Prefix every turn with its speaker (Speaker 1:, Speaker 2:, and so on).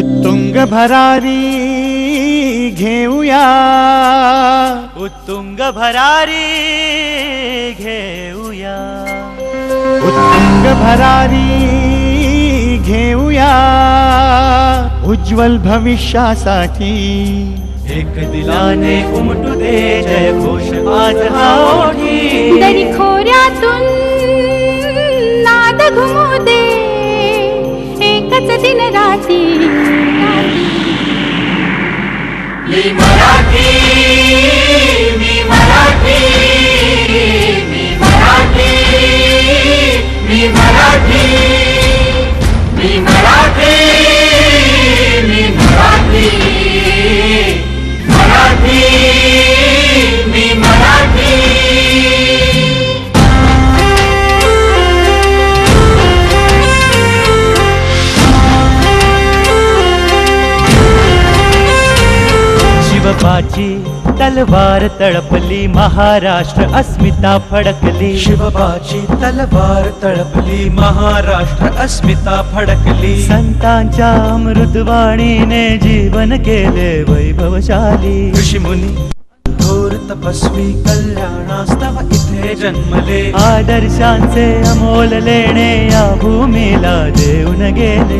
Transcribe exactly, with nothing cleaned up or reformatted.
Speaker 1: उत्तुंग भरारी घेऊया,
Speaker 2: उत्तुंग भरारी घेऊया,
Speaker 1: उत्तुंग भरारी घेऊया, उज्ज्वल भविष्यासाठी
Speaker 2: एक दिलाने उमटू दे जय घोष आज हा ओठी.
Speaker 3: दरी खोऱ्यातून नाद घुमू दे एकच दिन राती.
Speaker 2: मी मराठी, मी मराठी, मी मराठी, मी मराठी, मी मराठी, मी मराठी, मराठी, मी मराठी. शिवबाची तलवार तळपली, महाराष्ट्र अस्मिता फडकली.
Speaker 4: शिवबाची तलवार तळपली, महाराष्ट्र अस्मिता फडकली.
Speaker 2: संतांच्या अमृतवाणीने जीवन केले वैभवशाली.
Speaker 4: ऋषीमुनी थोर तपस्वी कल्याणास्तव इथे जन्मले.
Speaker 2: आदर्शांचे अमोल लेणे या भूमीला देऊन गेले.